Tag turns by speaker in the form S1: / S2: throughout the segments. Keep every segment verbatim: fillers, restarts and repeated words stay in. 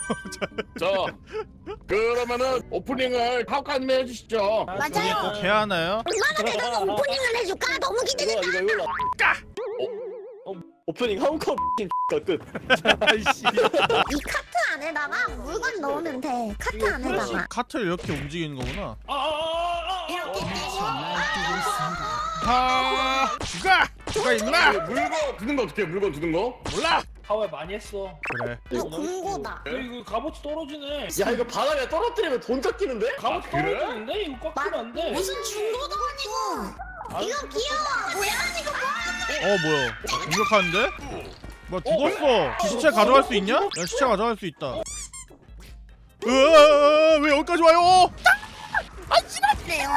S1: 자, 그러면은 오프닝을 하우카님 해주시죠.
S2: 맞아요.
S3: 꼭 해야 하나요?
S2: 얼마나 내가 오프닝을 해줄까? 너무 기대된다.
S4: 이거 이거 이거. 어, 어, 오프닝 한컵 끝.
S3: 아이씨.
S2: 이 카트 안에다가 물건 넣으면 돼. 카트 안에다가.
S3: 카트를 이렇게 움직이는 거구나.
S2: 이렇게 떼고.
S3: 아, 누가? 누가 있나?
S1: 물건 두는 거 어떻게 해? 물건 두는 거?
S3: 몰라.
S5: 하와이 많이 했어.
S3: 그래.
S2: 이거 공고다.
S5: 야, 이거 값어치 떨어지네.
S4: 야 이거 바닥에 떨어뜨리면 돈 깎이는데?
S5: 값어치
S1: 그래?
S5: 떨어지는데? 이거 꽉 끼면 안 돼.
S2: 무슨 중고도 아니고. 이거 귀여워. 고양이가 뭐?
S3: 어 뭐야? 공격하는데? 뭐 죽었어? 시체 가져갈 수 있냐? 야 시체 가져갈 수 있다. 으아, 왜 여기까지 와요?
S2: 그래요.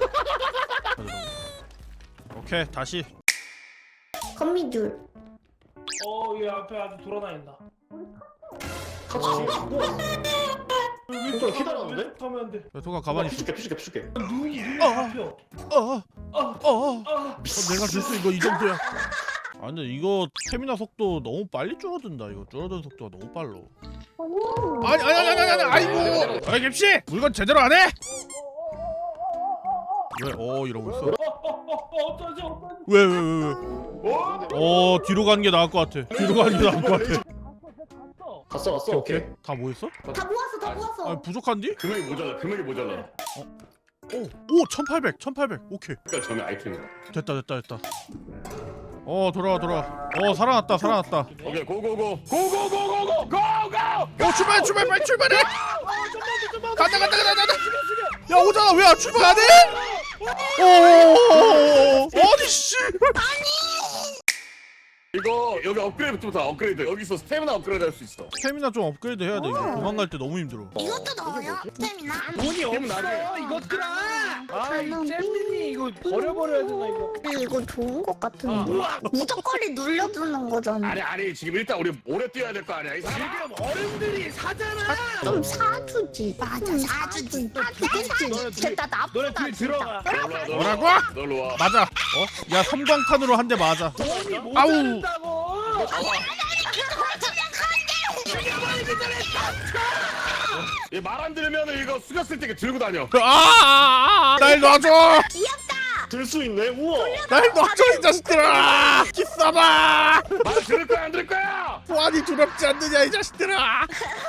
S3: 오케이 다시.
S2: 거미줄.
S5: 어, 얘 앞에 아주 돌아다닌다.
S4: 같이 죽고. 좀 기다렸는데?
S5: 하면 안 돼.
S3: 야, 도가 가만히 있어.
S4: 피줄게 피줄게 피줄게.
S5: 눈이 눈이
S3: 어.
S5: 잡혀.
S3: 어, 어,
S5: 아,
S3: 어, 어.
S5: 아.
S3: 내가 됐어 이거 이 정도야. 아 근데 이거 스태미나 속도 너무 빨리 줄어든다. 이거 줄어드는 속도가 너무 빨라. 아니 아니 아니 아니 아니 아이고. 아이 갭씨 물건 제대로 안 해? 왜? 어 이러고 있어.
S5: 어, 어, 어, 어, 어쩌지, 어쩌지.
S3: 왜 왜 왜 왜? 어 뒤로 가는 게 나을 것 같아. 뒤로 가는 게 나을 것 같아.
S5: 갔어.
S4: 갔어 갔어.
S3: 오케이
S4: 오케이.
S3: 오케이. 다 모였어?
S2: 다 모았어, 다 모았어.
S3: 아 부족한디?
S1: 금액이 모자라. 금액이 모자라.
S3: 오, 오 천팔백 천팔백 오케이.
S1: 그러니까 전에 아이템이다.
S3: 됐다 됐다 됐다. 어 돌아와 돌아와. 어 살아났다 살아났다.
S1: 오케이 고고고 고고고고고 고고.
S3: 어 출발 출발 빨리 출발해. 간다 간다 간다 간다. 야 오잖아 왜 안 출발 안 해? 오 어디 씨.
S1: 이거 여기 업그레이드부터 업그레이드. 여기서 스태미나 업그레이드 할 수 있어.
S3: 스태미나 좀 업그레이드 해야 돼. 이거 도망갈 때 너무 힘들어.
S2: 이것도 넣어요? 스태미나?
S5: 돈이
S1: 그럼
S5: 없어.
S1: 나중에.
S5: 이것들아. 아, 이
S2: 저는
S5: 잼민이 이거 버려버려야 되나 이거.
S2: 이거 좋은 것 같은데. 무조건이 눌려주는 거잖아.
S1: 아니 아니 지금 일단 우리 오래 뛰어야 될 거 아니야. 이 사람.
S5: 지금 어른들이 사잖아.
S2: 좀 사주지. 맞아, 사주지. 사주지. 됐다,
S5: 너네
S2: 나쁘다.
S5: 뒤에 들어가.
S3: 뭐라고?
S1: 놀러 와.
S3: 맞아. 어? 야 섬광탄으로 한 대 맞아.
S5: 돈이
S3: 아우.
S5: 모자란다고.
S1: 얘말 안 들으면 이거 숙였을 때 들고 다녀.
S3: 아, 아, 아, 날 놔줘.
S4: 들 수 있네. 우와.
S3: 날 놔줘 이 자식들아. 기싸봐.
S1: 말 들을 거야 안 들을 거야?
S3: 보안이 두렵지 않느냐 이 자식들아.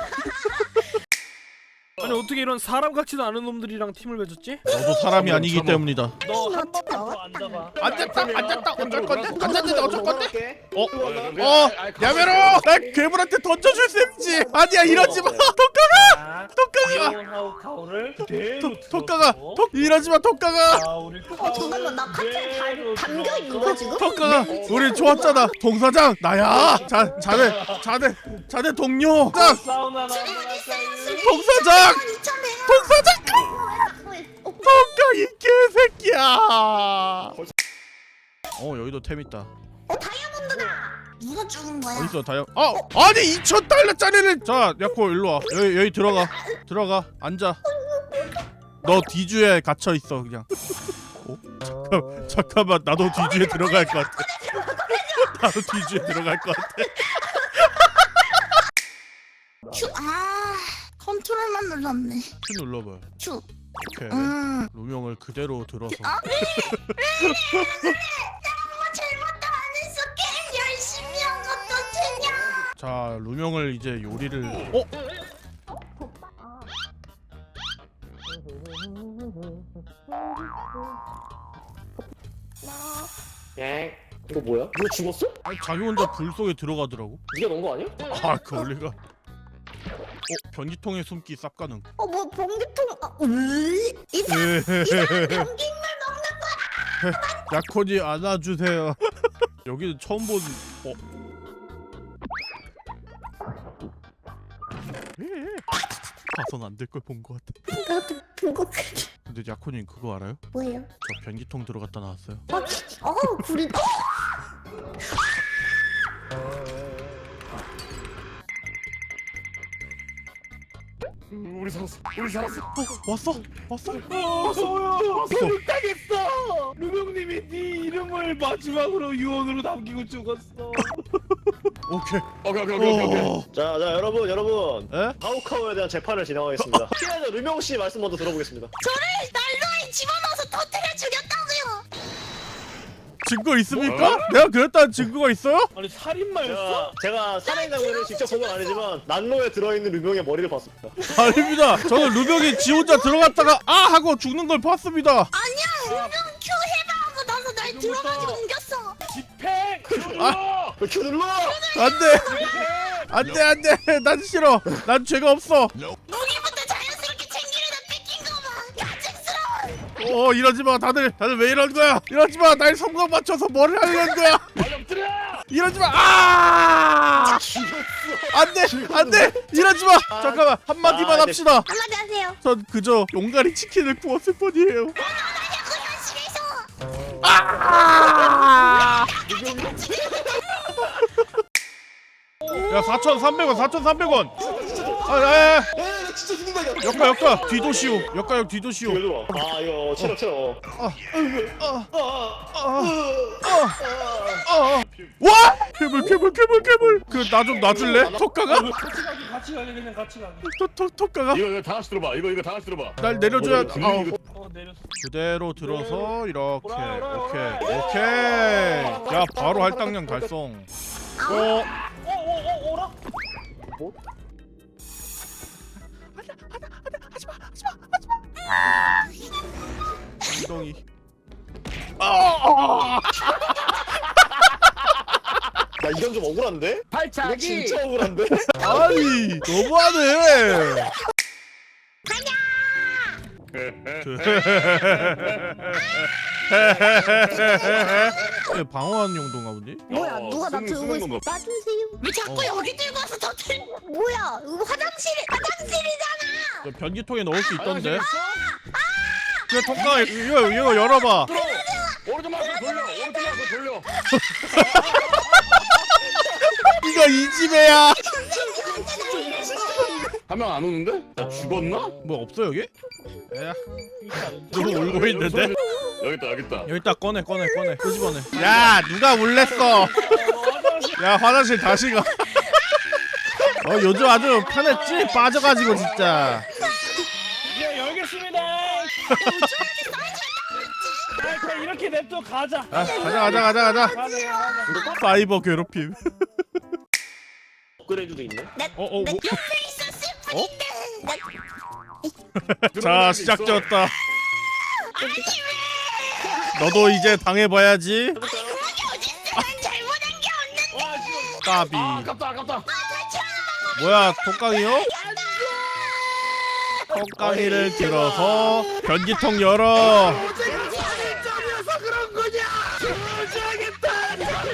S6: 아니 어떻게 이런 사람 같지도 않은 놈들이랑 팀을 맺었지?
S3: 너도 사람이 아니기 때문이다.
S5: 너 한 번만 더 앉아봐.
S3: 앉았다 앉았다 어쩔 건데 앉았는데 어쩔 건데? 어?
S1: 어,
S3: 어? 야메로! 날 괴물한테 던져줄 셈이지. 아니야 이러지 마. 독가가! 독가가!
S5: 하우 카우를 그대로
S3: 독가가! 독 이러지 마 독가가!
S5: 아, 우리
S2: 어, 잠깐만, 나 카트에 달- 담겨 있는 거야, 지금?
S3: 독가가! 우리 좋았잖아. 동사장 나야. 자 자네 자네 자네 동료. 자
S5: 사우나 나.
S3: 동사장
S2: 이참에.
S3: 동사장. 독가 이 개새끼야. 어 여기도 템 있다.
S2: 어, 다이아몬드다. 누가 죽은 거야?
S3: 어딨어 다이아? 아 아니 이천 달러짜리는. 자 야코 일로 와. 여기 여기 들어가 들어가 앉아. 너 뒤주에 갇혀 있어 그냥. 어? 잠깐 잠깐만 나도 뒤주에 들어갈 것 같아. 나도 뒤주에 들어갈 것 같아.
S2: 큐, 아, 컨트롤만 눌렀네.
S3: 큐 눌러봐요.
S2: 큐.
S3: 오케이.
S2: 음.
S3: 루명을 그대로 들어서.
S2: 아, 왜? 왜? 왜? 내가 잘못도 안 했어. 게임 열심히 한 것도 되냐?
S3: 자 루명을 이제 요리를. 어?
S4: 예. 이거 뭐야? 이거 죽었어?
S3: 아니, 자기 혼자 불 속에 들어가더라고.
S4: 네가 넣은 거 아니야?
S3: 아 그 원리가. 어 변기통에 숨기 쌉가능.
S2: 어, 뭐 봉기통? 아, 으이? 이 사람 변기물 먹는
S3: 야콘이 안아주세요. 여기는 처음 본. 어? 봐선 안 될 걸 본 것 같아.
S2: 거 나도 보고 그래.
S3: 근데 야콘이 그거 알아요?
S2: 뭐예요?
S3: 저 변기통 들어갔다 나왔어요.
S2: 어, 불이. 어?
S1: 우리 살았어. 우리 살았어.
S3: 어, 왔어? 왔어?
S5: 어, 서우야. 교육당했어. 루명님이 네 이름을 마지막으로 유언으로 남기고 죽었어.
S3: 오케이.
S1: 오케이 오케이 오케이 오케이.
S3: 어.
S4: 자, 자 여러분 여러분
S3: 에?
S4: 하우카우에 대한 재판을 진행하겠습니다. 피해자 류명 씨 말씀 먼저 들어보겠습니다.
S2: 저를 난로에 집어넣어서 터뜨려 죽였다고요.
S3: 증거 있습니까? 내가 그랬다는 증거가 있어요?
S5: 아니 살인마였어?
S4: 제가, 제가 살인 장면을 직접 본 건 아니지만 난로에 들어있는 류명의 머리를 봤습니다.
S3: 아닙니다. 저는 루병이 지 혼자 들어갔다가 아 하고 죽는 걸 봤습니다.
S2: 아니야, 유명 큐 해방하고 나서 날 들어가지고 옮겼어.
S5: 집행!
S3: 아.
S4: 왜 큐 눌러?
S3: 안돼, 안돼, 안돼. 난 싫어. 난 죄가 없어.
S2: 무기부터 자연스럽게 챙기려다 뺏긴 거 봐. 가증스러워.
S3: 어 이러지 마. 다들 다들 왜 이러는 거야? 이러지 마. 날 성공 맞춰서 뭘 하려는 거야?
S5: 말려들어!
S3: 이러지 마. 아! 안돼, 안돼. 이러지 마. 잠깐만 한 마디만
S4: 아,
S3: 합시다.
S2: 한마디 하세요.
S3: 전 그저 용가리 치킨을 구웠을 뿐이에요.
S2: 나냐고 현실에서.
S3: 아! 야 사천삼백 원 사천삼백 원. 아야야
S4: 에, 나 진짜 죽는다 이거.
S3: 역가 역가 뒤도시오. 역가역 뒤도시오.
S4: 이거 일로 와. 아 이거 체력 체력.
S3: 와! 괴물 괴물 괴물 괴물. 그 나 좀 놔줄래? 톡가가?
S5: 같이 가기 같이 가기 그냥 같이 가기
S3: 톡톡 톡가가?
S1: 이거 이거 다 같이 들어봐. 이거 이거 다 같이 들어봐.
S3: 날 내려줘야.
S1: 이거
S3: 아,
S1: 이거
S5: 어 내렸어
S3: 그대로 들어서 이렇게
S5: 오라, 오라,
S3: 오케이
S5: 오라.
S3: 오케이. 야 바로 할당량 달성. 어
S5: 어어어 어라?
S3: 엉덩이. 아!
S4: 나 이건 좀 억울한데? 이거
S1: 발차기.
S4: 진짜 억울한데?
S3: 아니 너무하네. 네, 방어하는 용도인가 보지?
S2: 뭐야,
S1: 어,
S2: 누가 나
S1: 쓰는-
S2: 들고
S1: 쓰는
S2: 있어?
S1: 건가?
S2: 놔주세요. 왜 자꾸
S3: 어.
S2: 여기 들고 와서 터뜨려? 뭐야, 이거 화장실, 화장실이잖아.
S3: 저 변기통에 넣을 수 있던데.
S1: 화장실
S3: 그래 통과 이거 이거 열어봐.
S1: 들어. 오른쪽 마우스 돌려. 오른쪽 마우스 돌려.
S3: 이거 이 집애야.
S1: 한 명 안 오는데? 나 죽었나?
S3: 뭐 없어 여기? 야 누구 울고 있는데?
S1: 여기 있다 여기 있다.
S3: 여기다 꺼내 꺼내 꺼내 끄집어내. 야 누가 울랬어? 야 화장실 다시 가. 어 요즘 아주 편했지? 빠져가지고 진짜.
S5: 예 열겠습니다 아 그냥 이렇게 냅둬 가자
S3: 아 가자 가자 가자 가자.
S5: 가자 가자
S3: 사이버 괴롭힘.
S4: 업그레이드도 있네.
S3: 어 어.
S2: 내
S3: 뭐.
S2: 옆에 있었을 뿐인데. 나
S3: 자 시작되었다. 너도 이제 당해봐야지.
S2: 그게 어딨어? 난 잘못한 게 없는데.
S5: 와 지금
S3: 까비.
S1: 아, 아깝다 아깝다.
S3: 뭐야 독강이요? 독강이를 들어서 변기통 열어.
S5: 점이어서 그런 거냐 저주하겠다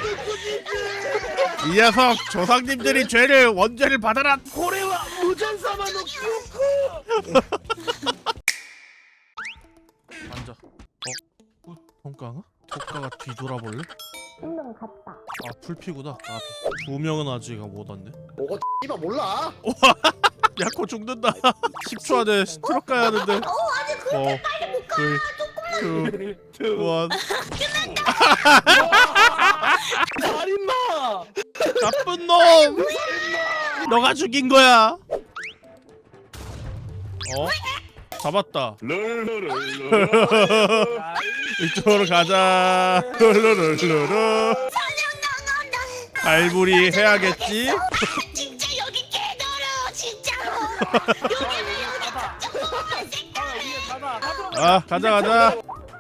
S3: 이 녀석 조상님들이 죄를 원죄를 받아라.
S5: 고래와 무전사만 놓고
S3: 앉아. 어? 통깡아? 통깡아 뒤돌아볼래?
S2: 한명 갔다.
S3: 아 풀피구나. 아, 두 명은 아직 못 왔네.
S4: 뭐가 씨발 몰라.
S3: 야코 죽는다. 십 초 안에 스트럭 가야 하는데.
S2: 어, 아니 그렇게
S3: 어,
S2: 빨리 못 가.
S3: 둘, 투, 원.
S5: 살인마
S3: 나쁜 놈. 너가 죽인 거야. 어? 잡았다.
S1: 르르르르.
S3: 이쪽으로 가자. 룰루룰루루.
S2: 나간다.
S3: 갈무리 해야겠지.
S2: 진짜 여기 개더러 진짜로. 여기는 여기 조금만 색깔해.
S5: 가다 가다
S3: 아 가자 가자.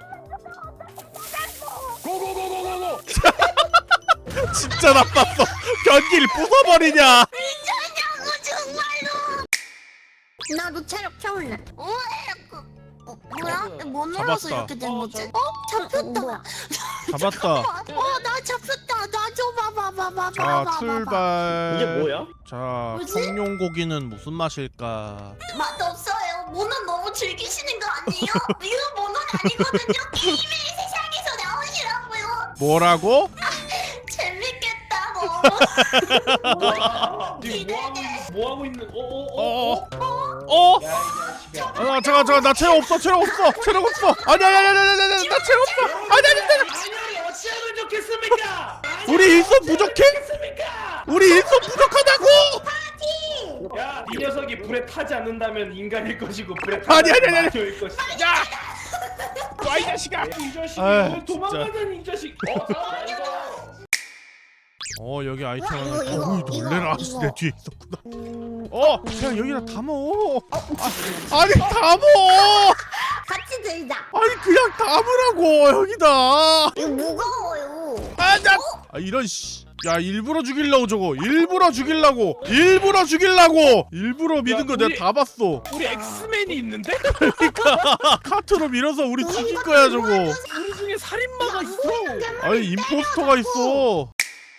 S1: 고고고고고고.
S3: 진짜 나빴어. 변기를 부숴버리냐.
S2: 미쳤냐고 정말로. 나도 체력 채울래. 어, 어 뭐야? 뭐 눌러서
S3: 잡았다.
S2: 이렇게 된 거지? 어? 잡혔다.
S3: 잡았다.
S2: 어, 나 잡혔다. 나 좀 봐봐, 봐봐,
S3: 자
S2: 봐봐.
S3: 출발.
S4: 이게 뭐야?
S3: 자
S2: 뭐지?
S3: 청룡고기는 무슨 맛일까?
S2: 맛 없어요. 모는 너무 즐기시는 거 아니에요? 이거 모는 아니거든요. 게임의 세상에서 나오시라고요.
S3: 뭐라고?
S2: 재밌겠다, 뭐.
S5: 와 지금 뭐 하고 있는 뭐 하고 있는 어어어
S3: 어어? 어?
S5: 야이 자식아
S3: 아 잠깐 잠깐 나 체력 없어 체력 없어 체력 없어. 아니 아니 아니 아니 아니 아니 나 체력 없어. 아니 아니 아니.
S5: 아니 어찌하면 좋겠습니까
S3: 우리 일손 부족해?
S5: 좋겠습니까
S3: 우리 일손 부족하다고.
S5: 야, 이 녀석이 불에 타지 않는다면 인간일 것이고 불에
S3: 아니,
S5: 타지
S3: 아니, 아니,
S5: 않으면 마녀일 것이다.
S3: 야, 와이 자식아.
S5: 이 자식이
S3: 아유,
S5: 왜 도망가자니 이 자식. 어, 자, 이거.
S3: 어 여기 아이템 하나.
S2: 이거, 이거,
S3: 어이
S2: 이거,
S3: 놀래라.
S2: 이거.
S3: 내 뒤에 있었구나. 어 그냥 여기다 담어. 아, 아니 담어.
S2: 같이 들자.
S3: 아니 그냥 담으라고 여기다.
S2: 이거 무거워요.
S3: 아나. 아 이런 씨. 야 일부러 죽이려고 저거. 일부러 죽이려고. 일부러 죽이려고. 일부러 믿은 거
S6: 우리-
S3: 내가 다 봤어.
S6: 우리 엑스맨이 있는데?
S3: 카트로 밀어서 우리 죽일 거야 저거.
S6: 우리 중에 살인마가 있어.
S3: 아니 임포스터가 있어.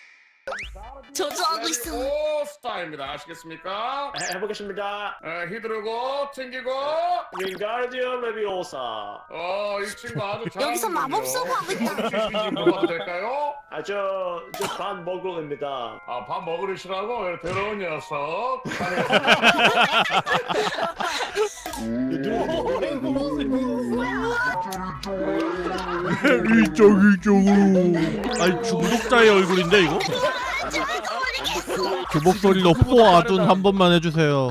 S2: 저주하고 있어.
S1: 오 스타입니다. 아시겠습니까?
S4: 해- 해보겠습니다.
S1: 에, 휘두르고 튕기고.
S4: 윙가르디오 레비오사.
S1: 어, 이 친구 아주 잘.
S2: 여기서 마법 쓰고 하고 있다.
S1: 먹어도 될까요?
S4: 아저저반 먹으랍니다.
S1: 아, 밥 먹으시라고 더러운 녀석.
S3: 이쪽 이쪽으로. 아니 중독자의 얼굴인데 이거? 그 목소리로 포아둔 한 번만 해주세요.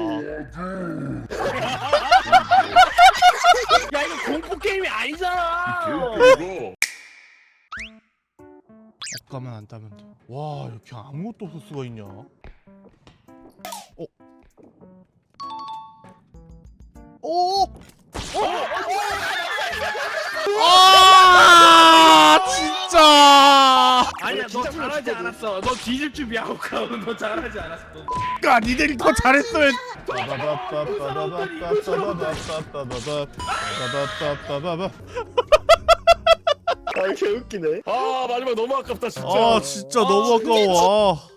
S6: 야 이거 공포 게임이 아니잖아.
S1: 그리고
S3: 옷가만 안 따면 돼. 와 이렇게 아무것도 없을 수가 있냐? 어? 오! 아 진짜!
S6: 아니야 너 잘하지 않았어. 너 뒤질 준비 하고 가고 너 잘하지 않았어.
S3: 아 니들이 더 잘했어야.
S4: 아 개웃기네.
S1: 아, 마지막 너무 아깝다 진짜.
S3: 아 진짜 너무 아까워. 아.